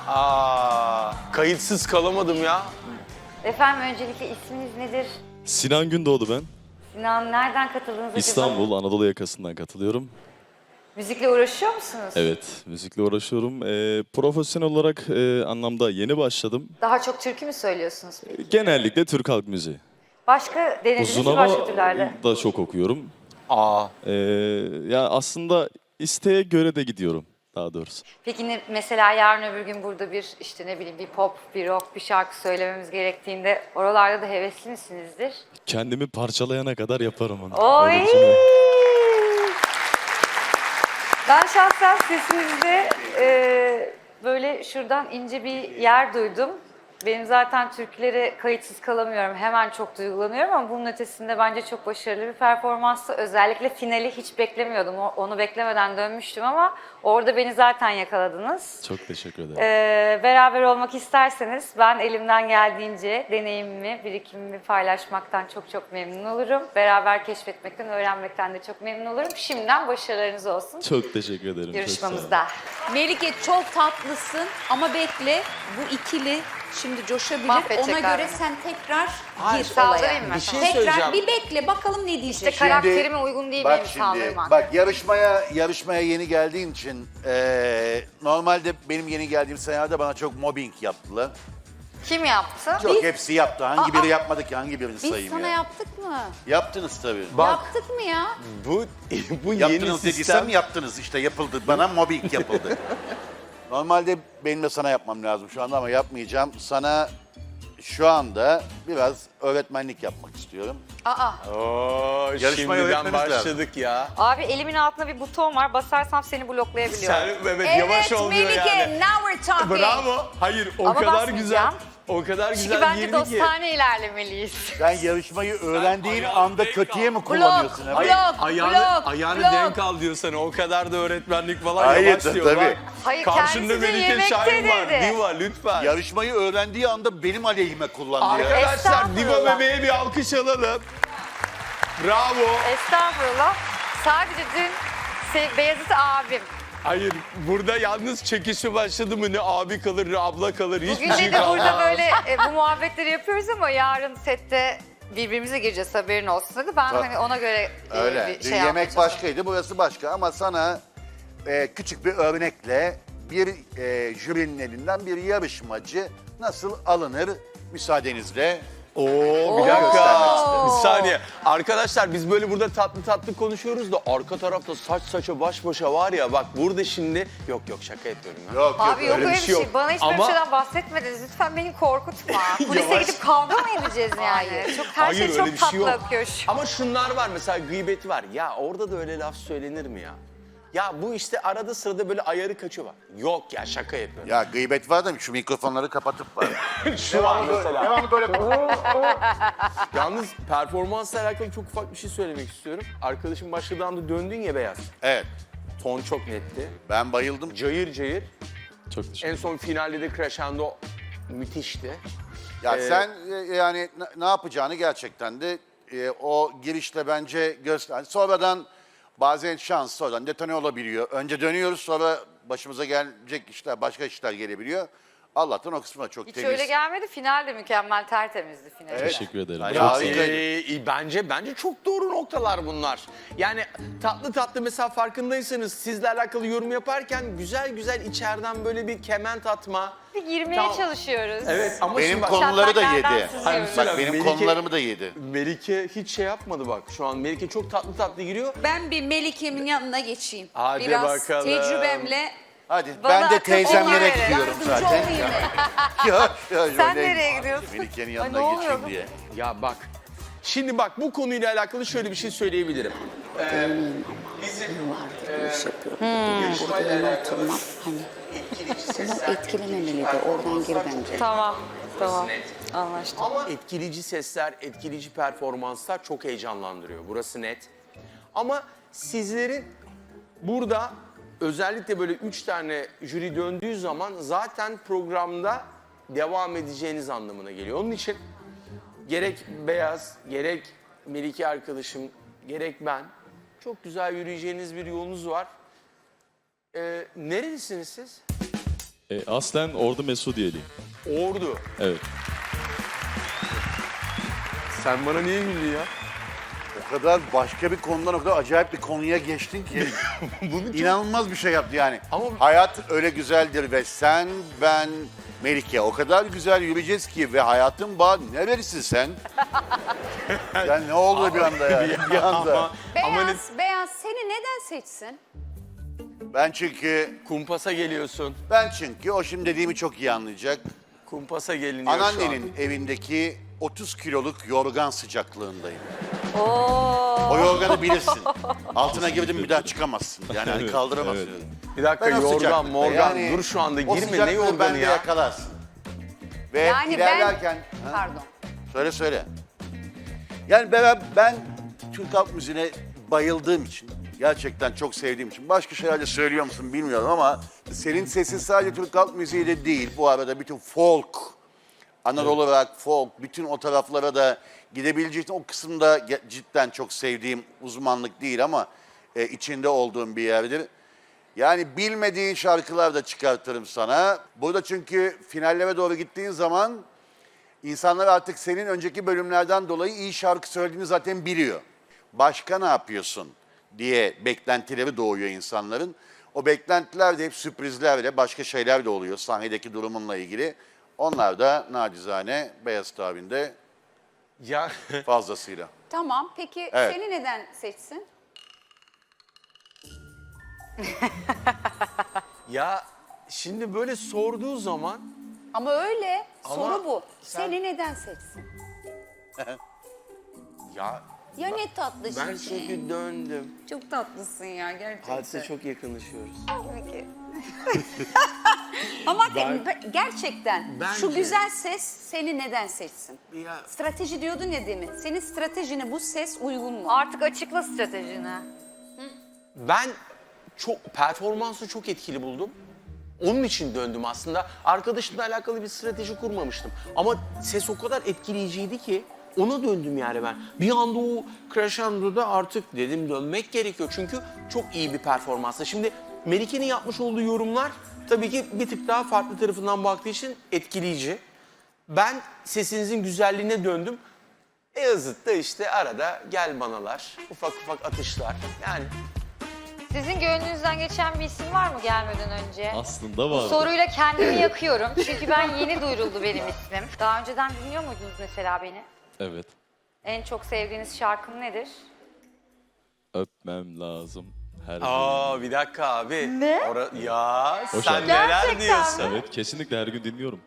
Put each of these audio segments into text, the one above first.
Kayıtsız kalamadım ya. Efendim öncelikle isminiz nedir? Sinan Gündoğdu ben. Sinan nereden katıldınız acaba? İstanbul, Anadolu yakasından katılıyorum. Müzikle uğraşıyor musunuz? Evet, müzikle uğraşıyorum. Profesyonel olarak anlamda yeni başladım. Daha çok türkü mü söylüyorsunuz peki? Genellikle Türk halk müziği. Başka denediniz Uzun mi hava başka türlerde? da çok okuyorum. Aa. Ya aslında isteğe göre de gidiyorum daha doğrusu. Peki mesela yarın öbür gün burada bir işte ne bileyim bir pop, bir rock, bir şarkı söylememiz gerektiğinde oralarda da hevesli misinizdir? Kendimi parçalayana kadar yaparım onu. Oy! Öyle bir şey var. Ben şahsen sesinizde böyle şuradan ince bir yer duydum. Benim zaten türkülere kayıtsız kalamıyorum. Hemen çok duygulanıyorum ama bunun ötesinde bence çok başarılı bir performanstı. Özellikle finali hiç beklemiyordum. Onu beklemeden dönmüştüm ama orada beni zaten yakaladınız. Çok teşekkür ederim. Beraber olmak isterseniz ben elimden geldiğince deneyimimi, birikimimi paylaşmaktan çok memnun olurum. Beraber keşfetmekten, öğrenmekten de çok memnun olurum. Şimdiden başarılarınız olsun Çok teşekkür ederim. Çok sağ olun. yarışmamızda. Melike çok tatlısın ama bekle bu ikili şimdi coşabilir. Mahvedecekler Ona göre beni. sen tekrar Hayır, gir olaya. Saldırayım mı? Bir şey Tekrar söyleyeceğim. bir bekle bakalım ne diyecek. İşte karakterime uygun değil benim saldırmak. Bak yarışmaya yeni geldiğin için normalde benim yeni geldiğim senelerde bana çok mobbing yaptılar. Kim yaptı? Çok hepsi yaptı. Hangi biri yapmadı ki? Hangi birini Biz sayayım sana ya? yaptık mı? Yaptınız tabii. Yaptık mı ya? Bu yeni Yaptınız sistem. dediysem yaptınız işte yapıldı. Bana mobbing yapıldı. Normalde benim de sana yapmam lazım şu anda ama yapmayacağım. Sana şu anda biraz öğretmenlik yapmak istiyorum. Aa. Oo, Yarışmayı şimdiden öğretmeniz lazım. başladık ya. Abi elimin altında bir buton var. Basarsam seni bloklayabiliyorum. Sen evet, yavaş Evet oluyor Melike yani. now we're talking. Bravo. Hayır o Ama kadar basmayacağım. güzel. O kadar güzel Çünkü bence girdi ki. dostane ilerlemeliyiz. Sen yarışmayı öğrendiğin ayağını anda denk kötüye mi Blok, kullanıyorsun? blok, Evet? Ayağını blok. denk al diyor sana. O kadar da öğretmenlik falan Hayır, yavaş diyor. tabii. Bak, Hayır, karşında kendisi de Melike yemekte Şahin var. dedi. Diva lütfen. Yarışmayı öğrendiği anda benim aleyhime kullanıyor. Arkadaşlar Diva Estağfurullah. bebeğe bir alkış alalım. Bravo. Estağfurullah. Sadece dün Beyazıt abim. Hayır burada yalnız çekişi başladı mı ne abi kalır ne abla kalır hiçbir Bugün şey de burada kalmaz. böyle bu muhabbetleri yapıyoruz ama yarın sette birbirimize gireceğiz haberin olsun dedi. Ben Bak, hani ona göre Öyle. bir Dün şey yemek yapacağım. başkaydı, burası başka ama sana küçük bir örnekle bir jürinin elinden bir yarışmacı nasıl alınır müsaadenizle. Oo bir göstermek dakika. istedim. Bir saniye. Arkadaşlar biz böyle burada tatlı tatlı konuşuyoruz da arka tarafta saç saça baş başa var ya bak burada şimdi yok şaka yapıyorum ya. Yok Abi yok öyle bir şey. yok. Bana hiç böyle bir Ama- şeyden bahsetmediniz. Lütfen beni korkutma. Kulise Yavaş. gidip kavga mı edeceğiz yani? Hayır. Çok her Hayır, şey öyle çok bir şey tatlı yok. akıyor şu an. Ama şunlar var mesela gıybet var. Ya orada da öyle laf söylenir mi ya? Ya bu işte arada sırada böyle ayarı kaçıyor bak. Yok ya şaka yapıyorum. Ya gıybet var da şu mikrofonları kapatıp var. Şu an mesela. Devamlı böyle Yalnız performansla alakalı çok ufak bir şey söylemek istiyorum. Arkadaşım başladığı anda döndün ya Beyaz. Evet, Ton çok netti. ben bayıldım. Cayır cayır. Çok teşekkür En ederim. son finalde de crescendo müthişti. Ya sen yani ne yapacağını gerçekten de o girişle bence göster. Sonradan bazen şans sonradan detone olabiliyor. Önce dönüyoruz sonra başımıza gelecek işler, başka işler gelebiliyor. Allah'tan o kısmı da çok Hiç temiz. öyle gelmedi. Final de mükemmel, tertemizdi final. Evet. Teşekkür ederim. Yani Çok sağ olun. harikaydı. Bence çok doğru noktalar bunlar. Yani tatlı tatlı mesela farkındaysanız sizle alakalı yorum yaparken güzel güzel içeriden böyle bir kement atma. Bir girmeye Tamam. çalışıyoruz. Evet ama Benim şimdi bak, konuları da Şaplaklardan yedi. sızıyoruz. Bak benim Melike- konularımı da yedi. Melike hiç şey yapmadı bak şu an. Melike çok tatlı tatlı giriyor. Ben bir Melike'min yanına geçeyim. Hadi Biraz bakalım. teyzemle Hadi Bana ben de akıl teyzemlere fikir verin. gidiyorum yardımcı zaten. olayım. Sen nereye gidiyorsun? Melike'nin Ay, yanına ne oluyor geçeyim bu? diye. Ya bak. Şimdi bak bu konuyla alakalı şöyle bir şey söyleyebilirim. Burada öyle oturmak hani bunu etkilememeli de oradan gir bence. Tamam. Anlaştık. Ama etkileyici sesler, etkileyici performanslar çok heyecanlandırıyor. Burası net. Ama sizlerin burada özellikle böyle 3 tane jüri döndüğü zaman zaten programda devam edeceğiniz anlamına geliyor. Onun için gerek Beyaz, gerek Melike arkadaşım, gerek ben çok güzel yürüyeceğiniz bir yolunuz var. Nerelisiniz siz? Aslen Ordu Mesudiyeliyim. Ordu. Evet. Sen bana niye güldün ya? O kadar başka bir konudan o kadar acayip bir konuya geçtin ki. İnanılmaz bir şey yaptı yani. Ama- Hayat öyle güzeldir ve sen, ben, Melike o kadar güzel yürüyeceğiz ki ve hayatın bağ nerelisin sen? Yani ne oldu bir anda yani? Bir anda. Beyaz seni neden seçsin? Ben çünkü o şimdi dediğimi çok iyi anlayacak. Kumpasa geliniyor şu an. Anneannenin evindeki 30 kiloluk yorgan sıcaklığındayım. Oo. O yorganı bilirsin. Altına girdin bir daha çıkamazsın. Yani hani kaldıramazsın. Evet. Bir dakika Ben o yorgan sıcaklıkta morgan yani dur şu anda o girme ne sıcaklığı yorganı bende ya? yakalarsın. Ve Yani ilerlerken... ben... Ha? Pardon. Söyle. Yani ben Türk halk müziğine bayıldığım için, gerçekten çok sevdiğim için, başka şeyler de söylüyor musun bilmiyorum ama senin sesin sadece Türk halk müziğiyle değil, bu arada bütün folk, Anadolu rock, folk, bütün o taraflara da gidebileceğin için o kısımda cidden çok sevdiğim uzmanlık değil ama içinde olduğum bir yerdir. Yani bilmediğin şarkılar da çıkartırım sana. Burada çünkü finallere doğru gittiğin zaman insanlar artık senin önceki bölümlerden dolayı iyi şarkı söylediğini zaten biliyor. Başka ne yapıyorsun diye beklentileri doğuyor insanların. O beklentiler de hep sürprizlerle, başka şeyler de oluyor sahnedeki durumunla ilgili. Onlar da nacizane Beyaz tabinde Ya fazlasıyla. Tamam. Peki Evet. seni neden seçsin? ya şimdi böyle sorduğu zaman Ama öyle. Ama Soru bu. sen- Seni neden seçsin? ya Ya ne tatlı ben şimdi. çünkü döndüm. Çok tatlısın ya gerçekten. Hadise çok yakınlaşıyoruz. Peki. Ama gerçekten şu Bence- güzel ses seni neden seçsin? Ya Strateji diyordun ya demin. Senin stratejine bu ses uygun mu? Artık açıkla stratejini. ben performansı çok etkili buldum. Onun için döndüm aslında. Arkadaşımla alakalı bir strateji kurmamıştım. Ama ses o kadar etkileyiciydi ki ona döndüm yani ben. Bir anda o crescendo'da artık dedim dönmek gerekiyor. Çünkü çok iyi bir performanstı. Şimdi Melike'nin yapmış olduğu yorumlar tabii ki bir tık daha farklı tarafından baktığı için etkileyici. Ben sesinizin güzelliğine döndüm. Beyazıt'ta işte arada gel banalar, ufak ufak atışlar. Yani Sizin gönlünüzden geçen bir isim var mı gelmeden önce? Aslında Bu var. soruyla kendimi yakıyorum. Çünkü ben yeni duyuruldu benim ismim. Daha önceden dinliyor muydunuz mesela beni? Evet. En çok sevdiğiniz şarkım nedir? Öpmem lazım her gün. aa bir dakika abi. Ne? Ya sen şarkı. neler Gerçekten diyorsun? Evet, kesinlikle her gün dinliyorum.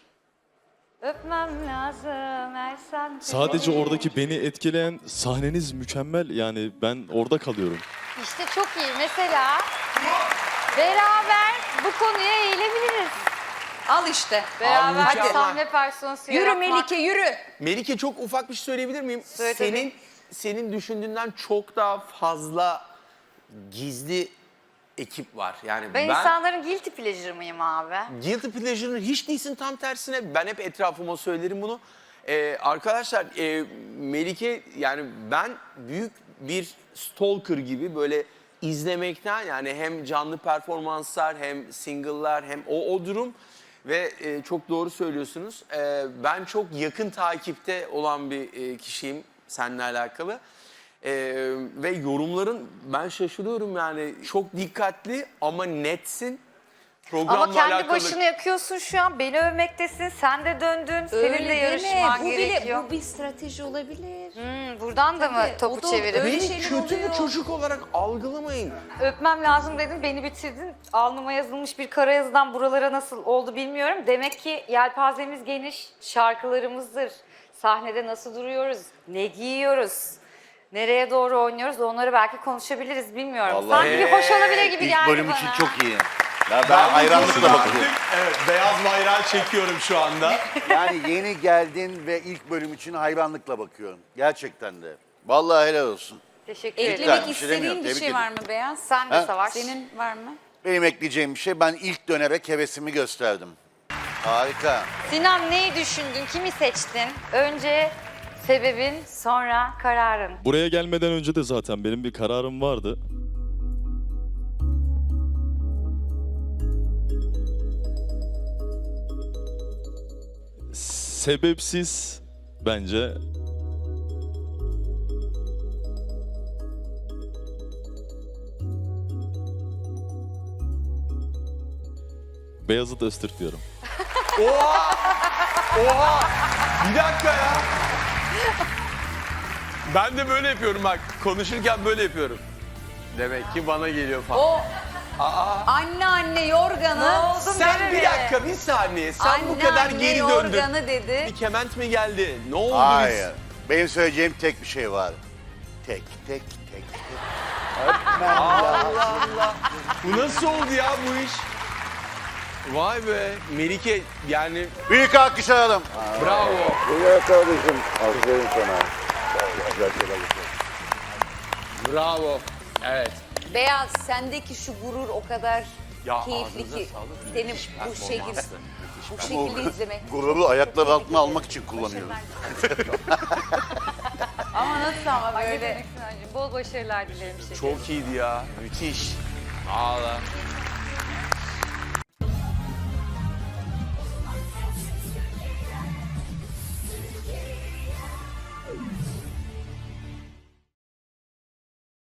Öpmem lazım Ersan. Sadece oradaki beni etkileyen sahneniz mükemmel. Yani ben orada kalıyorum. İşte çok iyi. Mesela beraber bu konuya eğilebiliriz. Al işte. Beraber mükemmel. sahne personası Yürü yaratmak. Melike yürü. Melike çok ufak bir şey söyleyebilir miyim? Söyle tabii. Senin düşündüğünden çok daha fazla gizli ekip var. Yani Ben insanların guilty pleasure mıyım abi? Guilty Pleasure'ın hiç değilsin, tam tersine. Ben hep etrafıma söylerim bunu. Arkadaşlar Melike, yani ben büyük bir stalker gibi böyle izlemekten, yani hem canlı performanslar hem single'lar hem o durum ve çok doğru söylüyorsunuz. Ben çok yakın takipte olan bir kişiyim seninle alakalı. Ve yorumların, ben şaşırıyorum yani, çok dikkatli ama netsin. Programla Ama kendi alakalı. başını yakıyorsun şu an. Beni övmektesin. Sen de döndün. Senin de Öyle yarışman deme. gerekiyor. Bu bir strateji olabilir. Buradan da mı Tabii, topu o da çevirip? öyle Beni şeyler kötü bir oluyor. çocuk olarak algılamayın. Öpmem lazım dedin, beni bitirdin. Alnıma yazılmış bir kara yazıdan buralara nasıl oldu bilmiyorum. Demek ki yelpazemiz geniş, şarkılarımızdır. Sahnede nasıl duruyoruz, ne giyiyoruz, nereye doğru oynuyoruz, onları belki konuşabiliriz, bilmiyorum. Vallahi Sanki bir hoş olabilir gibi İlk geldi bölüm bana. için çok iyi. Ya ben hayranlıkla bakıyorum. Evet, beyaz bayrağı çekiyorum şu anda. Yani yeni geldin ve ilk bölüm için hayranlıkla bakıyorum. Gerçekten de. Vallahi helal olsun. Teşekkür ederim. Eklemek Eklemek bir şey demiyorum, istediğin bir tebrik şey var mı Beyaz? Sen de Ha? Savaş. Senin var mı? Benim ekleyeceğim bir şey, ben ilk dönerek hevesimi gösterdim. Harika. Sinan, neyi düşündün, kimi seçtin? Önce sebebin, sonra kararın. Buraya gelmeden önce de zaten benim bir kararım vardı. sebepsiz bence. Beyazıt Öztürk diyorum. Oha! Oha! Bir dakika ya. Ben de böyle yapıyorum bak. Konuşurken böyle yapıyorum. Demek ki bana geliyor falan. O anne yorganı. Sen bir dakika, bir saniye. Sen bu kadar geri döndün. yorganı dedi. Bir kement mi geldi? Ne oldu Hayır. Benim söyleyeceğim tek bir şey var. Tek. Allah Allah. Bu nasıl oldu ya bu iş? Vay be. Melike yani Büyük alkış alalım. bravo. Ya kardeşim, aferin sana. Güzel şeyler Bravo. Evet. Beyaz sendeki şu gurur o kadar Ya keyifli ağzınıza ki sağlık. seni Müthiş bu şekilde performanstı. bu şekilde izlemek. Gururu ayaklar altına almak için kullanıyorum. Ama nasıl ama Böyle. böyle Bol başarılar dilerim. Çok iyiydi ya. Müthiş. Ağla.